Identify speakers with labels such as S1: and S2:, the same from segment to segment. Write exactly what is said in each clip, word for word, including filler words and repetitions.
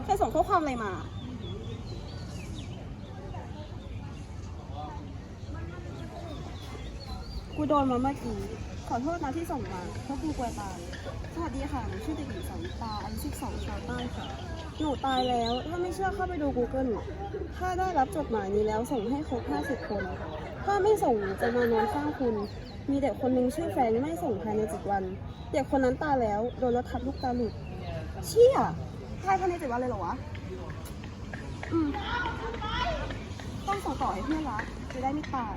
S1: ใครส่งข้อความอะไรมากูโดนมาเมื่อกี้ขอโทษนะที่ส่งมาเพราะกูกลัวตายสวัสดีค่ะหนูชื่อเด็กหญิงสาวิตาอายุสิบสองชาวใต้ค่ะหนูตายแล้วถ้าไม่เชื่อเข้าไปดู Google ถ้าได้รับจดหมายนี้แล้วส่งให้ครบห้าสิบคนถ้าไม่ส่งจะมานอนข้างคุณมีเด็กคนหนึ่งชื่อแฟนไม่ส่งภายในเจ็ดวันเด็กคนนั้นตายแล้วโดนรถทับลูกตาหลุดเชี่ยตายภายในเจ็ดวันเลยเหรอวะอืมต้องส่งต่อให้เพื่อนรักจะได้ไม่ตาย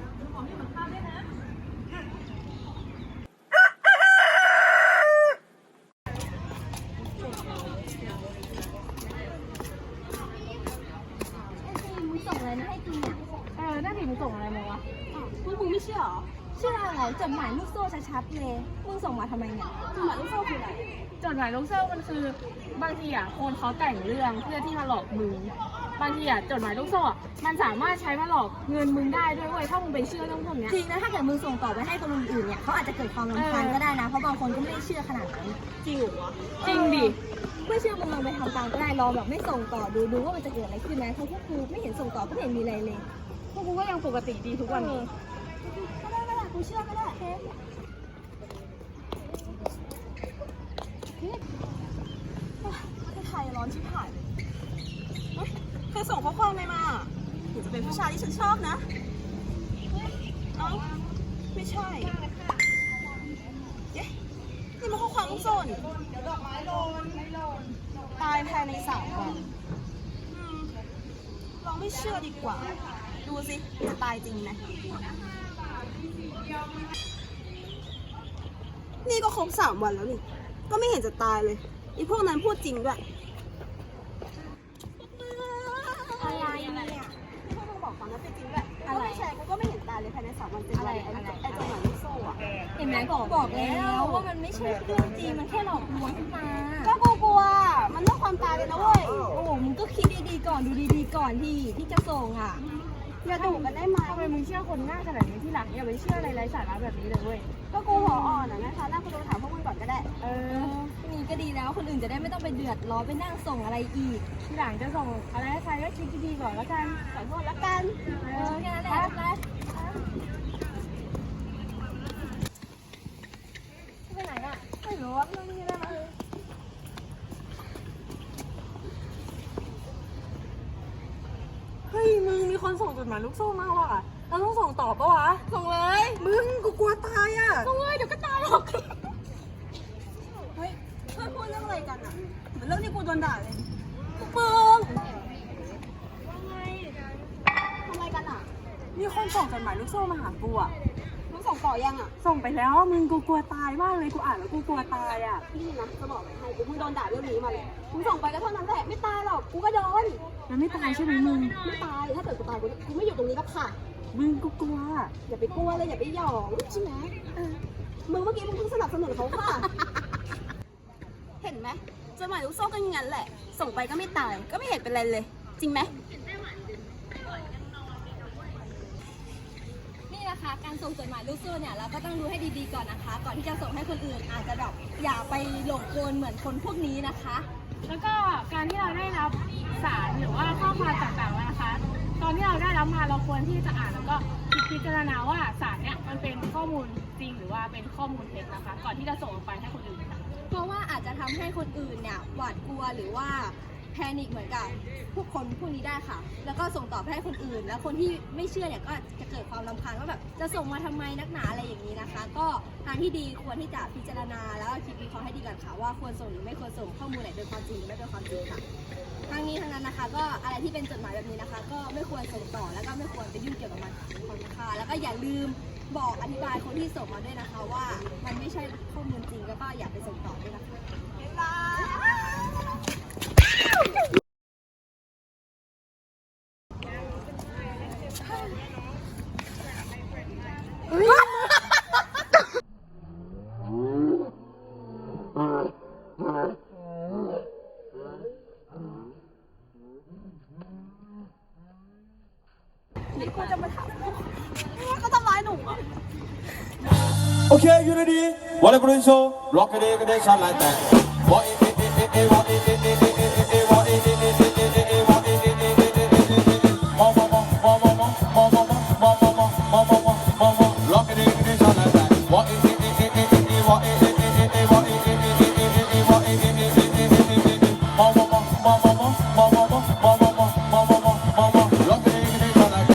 S2: ส่งอะไรมาให้กินเนี่ยเออนั่นดิมึงส่งอะไรมาวะมึงมึงไม่เชื่อหรอเชื่ออะไรจดหมายลูกโซ่ชัดๆเลยมึงส่งมาทำไมเนี่ยจดหมายลูกโซ่คืออะไรจดหมายลูกโซ่มันคือบางทีอ่ะคนเขาแต่งเรื่องเพื่อที่มาหลอกมึงบางทีอ่ะจดหมายลูกโซ่มันสามารถใช้มาหลอกเงินมึงได้ด้วยเว้ยถ้ามึงไปเชื่อเรื่องพวกนี้จริงนะถ้าเกิดมึงส่งต่อไปให้คนอื่นเนี่ยเขาอาจจะเกิดความรำคาญก็ได้นะเพราะบางคนก็ไม่ได้เชื่อขนาดนั้นจริงเหรอจริงดิไม่เชื่อมึงลองไปทำตามก็ได้ลองแบบไม่ส่งต่อดูดูว่ามันจะเกิดอะไรขึ้นนะเพราะพวกกูไม่เห็นส่งต่อก็ไม่เห็นมีอะไรเลยพวกกูก็ยังปกติดีทุกวันนี้ก็ได้ก็ได้กูเชื่อก็ได้เฮ้ย
S1: ไทยร้อนชิบหายเลยใครส่งข้อความอะไรมาหนูจะเป็นผู้ชายที่ฉันชอบนะเอ้าไม่ใช่เอ๊ะนี่มันข้อความลูกโซ่นี่ตายภายในสามวันลองไม่เชื่อดีกว่า ดูสิจะตายจริงไหมนี่ก็ครบสามวันแล้วนี่ก็ไม่เห็นจะตายเลยอีพวกนั้นพูดจริงด้วย
S2: อะไรเนี่ย
S1: พวกมึงบอกความนั้นเป็นจริงด้วยอะไรแชร์กูก็ไม่เห็นตายเลยภายในสามวันเจ็ดวันไอ้ไอ้จดหมายลูกโซ่อะ
S2: เห็นไหมบอกบอกแล้วว่ามันไม่ใช่เรื่องจริงมันแค่หลอกลวงขึ้นมา
S1: ก็กูกลัวมันเรื่องความตายเลยนะเว้ย
S2: โอ้โหมึงก็คิดดีๆก่อนดูดีๆก่อนที่ที่จะส่งอ่ะ
S1: อย่าดุกันได้ไหม
S2: ทำไมมึงเชื่อคนง่ายขนาดนี้ที่หลังอย่าไปเชื่ออะไรไร้สาระแบบนี้เลยเว้ย
S1: ก็กูหัวอ่อนอ่ะนะคะน่ากูโดนถามพวกมึงก่อนก็ได้
S2: เออนี่ก็ดีแล้วคนอื่นจะได้ไม่ต้องไปเดือดร้อนไปนั่งส่งอะไรอีกทีหลังจะส่งอะไรให้ใครก็คิดดีๆก่อนแล้วกัน
S1: ขอโทษแล้วกัน
S2: เออแค่นั้นแหละไปไหนอ่ะไม่รู้ว่าเรื่องนี้ได้ไหม
S3: เฮ้ยมึงมีคนส่งจดหมายลูกโซ่มาว่ะเราต้องส่งต่อปะวะ
S2: ส่งเลย
S3: มึงกูกลัวตายอ่ะ
S2: ส่งเลยเดี๋ยวก็ตายหรอก
S1: เฮ้ยเพื่อนพูดเรื่องอะไรกันอ่ะเหมือนเรื่องที่กูโดนด่าเลยกูเปิง
S2: ว่าไง
S1: ทำอะไรกันอ่ะ
S3: มีคนส่งจดหมายลูกโซ่มาหากูอ่ะ
S1: มึงส่งต่อยังอ่ะ
S3: ส่งไปแล้วมึงกูกลัวตายมากเลยกูอ่านแล้วกูกลัวตายอ่ะ
S1: พี่นะจะบอกให้กูเพิ่งโดนด่าเรื่องนี้มาเลยมึงส่งไปก็เท่านั้นแหละไม่ตายหรอกกูก็โดน
S3: มันไม่ตายใช่ไหมมึง
S1: ไม่ตายถ้าเกิดกูตายกูกูไม่อยู่ตรงนี้แล้วค่ะ
S3: มึงกูกลัว
S1: อย่าไปกลัวเลยอย่าไปหยองใช่ไหมมึงเมื่อกี้มึงเพิ่งสนับสนุนเขาค่ะเห็นไหมจดหมายลูกโซ่ก็อย่างนั้นแหละส่งไปก็ไม่ตายก็ไม่เห็นเป็นไรเลยจริงไหม
S2: นี่นะคะการส่งจดหมายลูกโซ่เนี่ยเราก็ต้องดูให้ดีๆก่อนนะคะก่อนที่จะส่งให้คนอื่นอาจจะแบบอย่าไปหลงกลเหมือนคนพวกนี้นะคะแล้วก็การที่เราได้รับสารหรือว่าข้อความต่างๆนะคะตอนที่เราได้รับมาเราควรที่จะอ่านแล้วก็พิจารณาว่าสารเนี่ยมันเป็นข้อมูลจริงหรือว่าเป็นข้อมูลเท็จนะคะก่อนที่จะส่งออกไปให้คนอื่นเพราะว่าอาจจะทำให้คนอื่นเนี่ยหวาดกลัวหรือว่าแพนิคเหมือนกับพวกคนพวกนี้ได้ค่ะแล้วก็ส่งต่อไปให้คนอื่นแล้วคนที่ไม่เชื่อเนี่ยก็จะเกิดความรำคาญว่าแบบจะส่งมาทำไมนักหนาอะไรอย่างนี้นะคะก็ทางที่ดีควรที่จะพิจารณาแล้วคิดวิเคราะห์ให้ดีก่อนค่ะว่าควรส่งหรือไม่ควรส่งข้อมูลไหนเป็นความจริงหรือไม่เป็นความจริงค่ะทั้งนี้ทั้งนั้นนะคะก็อะไรที่เป็นจดหมายแบบนี้นะคะก็ไม่ควรส่งต่อแล้วก็ไม่ควรไปยุ่งเกี่ยวกับมันค่ะแล้วก็อย่าลืมบอกอธิบายคนที่ส่งมาด้วยนะคะว่ามันไม่ใช่ข้อมูลจริงแล้วก็อย่าไปส่งต่อด้วยนะคะ
S1: นี่กูจะมาถามว่าเขาทำร้ายหนูอ่ะ
S4: Okay, you ready? Wanna go so? Rock it, it, it, shine like that. What it, it, it, it, what it, it, it, it, it, what it, it, it. มองมองมอง